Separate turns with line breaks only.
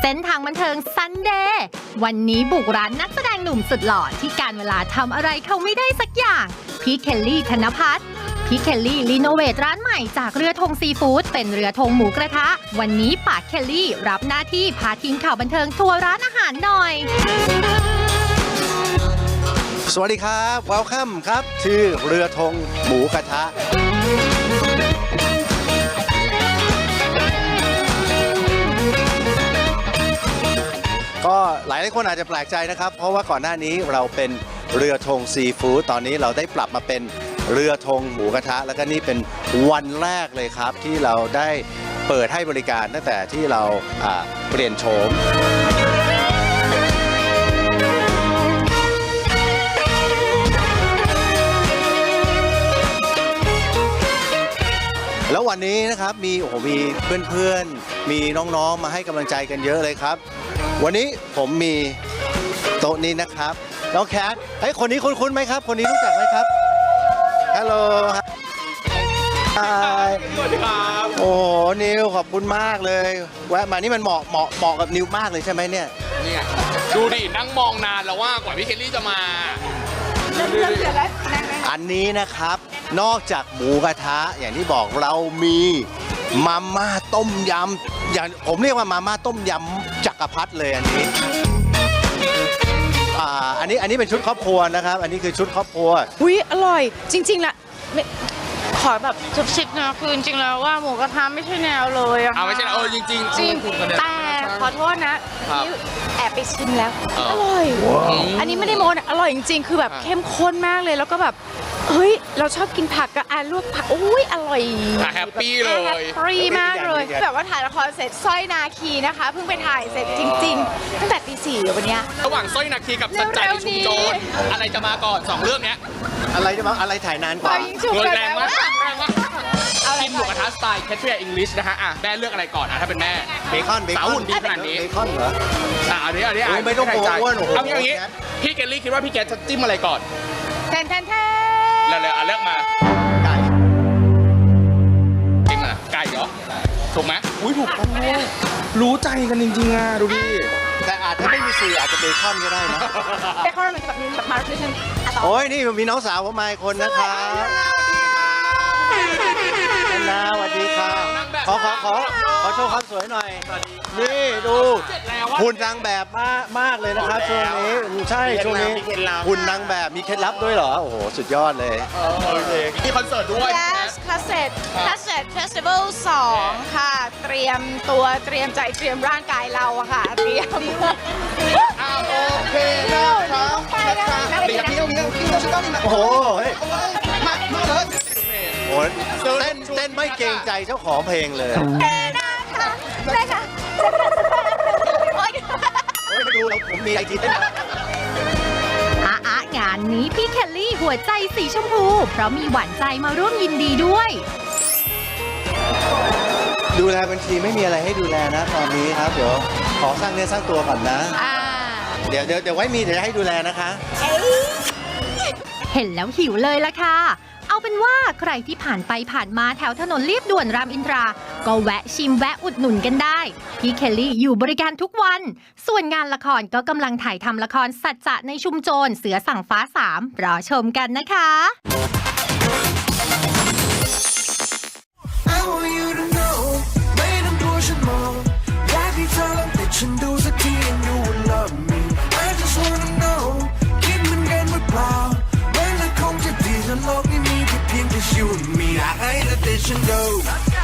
ส้นทางบันเทิงซันเดย์วันนี้บุกร้านนักแสดงหนุ่มสุดหล่อที่การเวลาทำอะไรเขาไม่ได้สักอย่างพี่เคลลี่ธนภัทรพี่เคลลี่รีโนเวทร้านใหม่จากเรือธงซีฟู้ดเป็นเรือธงหมูกระทะวันนี้ปากเคลลี่รับหน้าที่พาทีมข่าวบันเทิงทัวร์ร้านอาหารหน่อย
สวัสดีครับ Welcome ครับชื่อเรือธงหมูกระทะก็หลายคนอาจจะแปลกใจนะครับเพราะว่าก่อนหน้านี้เราเป็นเรือธงซีฟู้ดตอนนี้เราได้ปรับมาเป็นเรือธงหมูกระทะแล้วก็นี่เป็นวันแรกเลยครับที่เราได้เปิดให้บริการตั้งแต่ที่เราเปลี่ยนโฉมแล้ววันนี้นะครับมีเพื่อนๆมีน้องๆมาให้กำลังใจกันเยอะเลยครับวันนี้ผมมีโต๊ะนี้นะครับน้องแคทคนนี้คุ้นๆไหมครับคนนี้รู้จักไหมครับฮัลโหลฮายสวัสดีครับโอ้โหนิวขอบคุณมากเลยแวะมานี่มันเหมาะกับนิวมากเลยใช่ไหมเนี่ย
ดูดินั่งมองนานแล้วว่ากว่าพี่เคลลี่จะมา
อันนี้นะครับนอกจากหมูกระทะอย่างที่บอกเรามีมาม่าต้มยำอย่างผมเรียกว่ามาม่าต้มยำจักรพรรดิเลยอันนี้เป็นชุดครอบครัวนะครับอันนี้คือชุดครอบครัว
อุ้ยอร่อยจริงๆละขอแบบจุบชิบนะคือจริงๆแล้วว่าหมูกระทะไม่ใช่แนวเลยอะ
ไม่ใช่จริงจริง
แต่ขอโทษนะนี่แอบไปชิมแล้วอร่อยอันนี้ไม่ได้โม้อร่อยจริงๆคือแบบเข้มข้นมากเลยแล้วก็แบบเฮ้ยเราชอบกินผักกับลวกผักอุ้ยอร่อย
แฮปปี้เลย
แฮปปี้มากเลยแบบว่าถ่ายละครเสร็จสร้อยนาคีนะคะเพิ่งไปถ่ายเสร็จจริงๆตั้งแต่ตี 4วันนี้
ระหว่างสร้อยนาคีกับสัจจะในชุมโจรอะไรจะมาก่อน2เรื่องเนี้ย
อะไรถ่ายนานกว่า
แรงมากกินหมูกระทะสไตล์แคทเรียอิงลิชนะฮะแม่เลือกอะไรก่อนถ้าเป็นแม่
เบคอน
สาวหุ่นดีขนาดนี้
เบคอนเหรอ
อันนี้
ไม่ต้องโกงอ้วน
เอาอย่างนี้พี่เคลลี่คิดว่าพี่แกจะจิ้มอะไรก่อน
แทน
แล้วเลือกมา
ไก่
จิ้มอะไรไก่เหรอถูกไหมอุ้ยถูกต้องรู้ใจกันจริงๆอ่ะดูดิ
แต่อาจจะไม่มีสื่ออาจจะเบคอนก็ได้นะ
เบคอนมันแบบนี้แบบมาร์ทิชัน
โอ้ยนี่มีน้องสาวผมมาอีกคนนะครับนาสวัสดีค่ะขอโชว์ความสวยหน่อยนี่ดูหุ่นนางแบบมากเลยนะครับช่วงนี้ใช่ช่วงนี้หุ่นนางแบบมีเคล็ดลับด้วยเหรอโอ้โหสุดยอดเลย
มีคอนเสิร์ตด้วย
Yes คาสเซ็ตเฟสติวัล2ค่ะเตรียมตัวเตรียมใจเตรียมร่างกายเราอะค่ะเตรียม
โอเคนะครับ
โอ้โหโอ้เต้นไม่เกรงใจเจ้าของเพลงเลย
ได้ค่ะ
ดูแล้วผมมีไอทีเต้น
งานนี้พี่เคลลี่หัวใจสีชมพูเพราะมีหวานใจมาร่วมยินดีด้วย
ดูแลบัญชีไม่มีอะไรให้ดูแลนะตอนนี้ครับเดี๋ยวขอสร้างเนื้อสร้างตัวก่อนนะเดี๋ยวไว้มีเดี๋ยวให้ดูแลนะคะ
เห็นแล้วหิวเลยล่ะค่ะเอาเป็นว่าใครที่ผ่านไปผ่านมาแถวถนนเลียบด่วนรามอินทราก็แวะชิมแวะอุดหนุนกันได้พี่เคลลี่อยู่บริการทุกวันส่วนงานละครก็กำลังถ่ายทำละครสัจจะในชุมโจรเสือสั่งฟ้า3รอชมกันนะคะ
โลกนี้มีเพียงแต่ you and me I ain't let this go